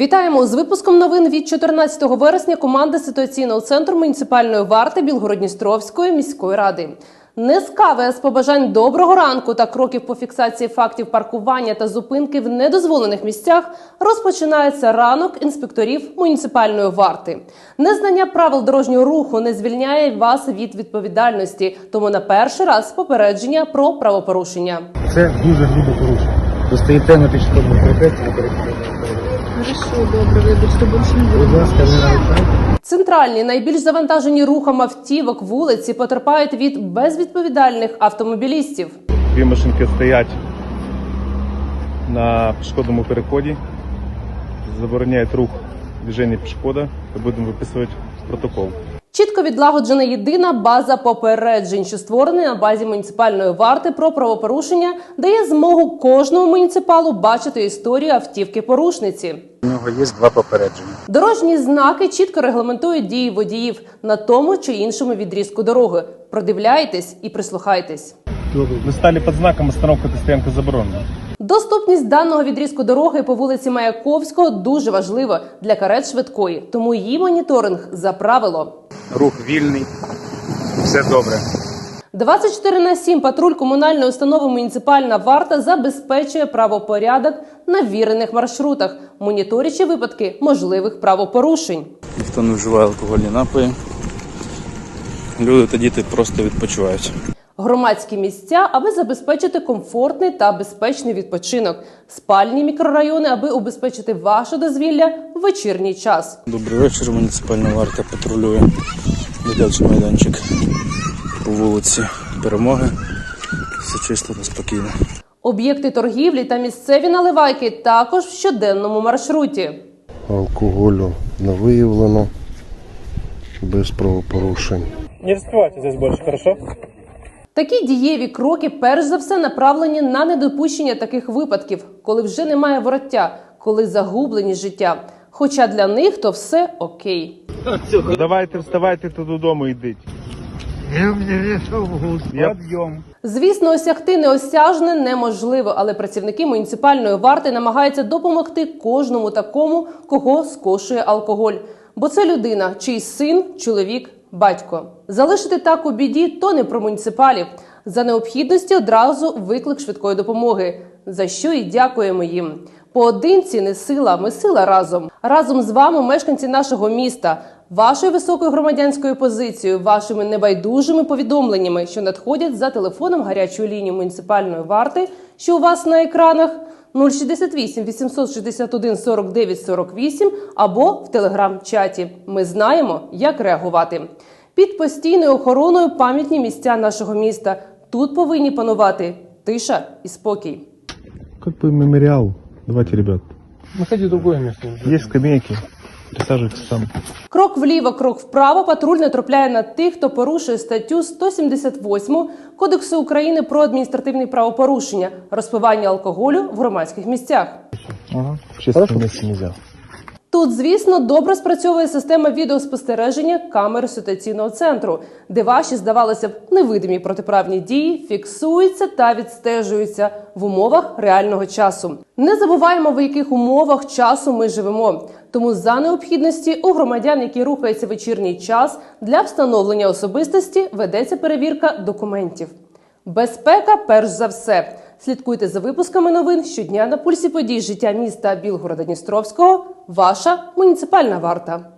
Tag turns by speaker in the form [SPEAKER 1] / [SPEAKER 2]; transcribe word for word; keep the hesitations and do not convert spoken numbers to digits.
[SPEAKER 1] Вітаємо з випуском новин від чотирнадцятого вересня команди ситуаційного центру муніципальної варти Білгород-Дністровської міської ради. Не з кави, а з побажань доброго ранку та кроків по фіксації фактів паркування та зупинки в недозволених місцях розпочинається ранок інспекторів муніципальної варти. Незнання правил дорожнього руху не звільняє вас від відповідальності, тому на перший раз попередження про правопорушення.
[SPEAKER 2] Це дуже грубе порушення. Ви стоїте на пішохідному перехресті, на перехресті.
[SPEAKER 3] Хорошо, добре, вибачте, більше не буду.
[SPEAKER 2] Будь ласка, не нарушайте.
[SPEAKER 1] Центральні, найбільш завантажені рухом автівок вулиці потерпають від безвідповідальних автомобілістів.
[SPEAKER 4] Дві машинки стоять на пішохідному переході, забороняють рух движення пішохода, і будемо виписувати протокол.
[SPEAKER 1] Чітко відлагоджена єдина база попереджень, що створена на базі муніципальної варти про правопорушення, дає змогу кожному муніципалу бачити історію автівки-порушниці.
[SPEAKER 2] У нього є два попередження.
[SPEAKER 1] Дорожні знаки чітко регламентують дії водіїв на тому чи іншому відрізку дороги. Продивляйтесь і прислухайтесь.
[SPEAKER 4] Ви стали під знаком «Остановка та стоянка заборонена».
[SPEAKER 1] Доступність даного відрізку дороги по вулиці Маяковського дуже важлива для карет швидкої, тому її моніторинг за правило.
[SPEAKER 2] Рух вільний, все добре.
[SPEAKER 1] двадцять чотири на сім патруль комунальної установи «Муніципальна варта» забезпечує правопорядок на вірених маршрутах, моніторячи випадки можливих правопорушень.
[SPEAKER 5] Ніхто не вживає алкогольні напої, люди та діти просто відпочивають.
[SPEAKER 1] Громадські місця, аби забезпечити комфортний та безпечний відпочинок. Спальні мікрорайони, аби убезпечити ваше дозвілля в вечірній час.
[SPEAKER 5] Добрий вечір, муніципальна варта патрулює дитячий майданчик по вулиці Перемоги. Все чисто та спокійно.
[SPEAKER 1] Об'єкти торгівлі та місцеві наливайки також в щоденному маршруті.
[SPEAKER 6] Алкоголю не виявлено, без правопорушень.
[SPEAKER 4] Не розкривайте здесь більше, хорошо?
[SPEAKER 1] Такі дієві кроки перш за все направлені на недопущення таких випадків, коли вже немає вороття, коли загублені життя. Хоча для них то все окей.
[SPEAKER 4] Давайте вставайте та додому йдіть. Я...
[SPEAKER 1] Звісно, осягти неосяжне неможливо, але працівники муніципальної варти намагаються допомогти кожному такому, кого скошує алкоголь. Бо це людина, чийсь син, чоловік, батько. Залишити так у біді – то не про муніципалів. За необхідності одразу виклик швидкої допомоги. За що і дякуємо їм. Поодинці не сила, ми сила разом. Разом з вами мешканці нашого міста. Вашою високою громадянською позицією, вашими небайдужими повідомленнями, що надходять за телефоном гарячої лінії муніципальної варти, що у вас на екранах нуль шістдесят вісім вісімсот шістдесят один сорок дев'ять сорок вісім або в телеграм-чаті. Ми знаємо, як реагувати. Під постійною охороною пам'ятні місця нашого міста. Тут повинні панувати тиша і спокій.
[SPEAKER 4] Как бы мемориал. Давайте, ребят.
[SPEAKER 2] Находи другое место.
[SPEAKER 4] Є скамейки. Присаджуйтесь там.
[SPEAKER 1] Крок вліво, крок вправо патруль натрапляє на тих, хто порушує статтю сто сімдесят восьму Кодексу України про адміністративні правопорушення – розпивання алкоголю в громадських місцях.
[SPEAKER 4] Ага. В общественном месте нельзя.
[SPEAKER 1] Тут, звісно, добре спрацьовує система відеоспостереження камер ситуаційного центру, де ваші, здавалося б, невидимі протиправні дії фіксуються та відстежуються в умовах реального часу. Не забуваємо, в яких умовах часу ми живемо. Тому за необхідності у громадян, які рухаються в вечірній час, для встановлення особистості ведеться перевірка документів. Безпека перш за все. Слідкуйте за випусками новин щодня на пульсі подій життя міста Білгорода-Дністровського. Ваша муніципальна варта.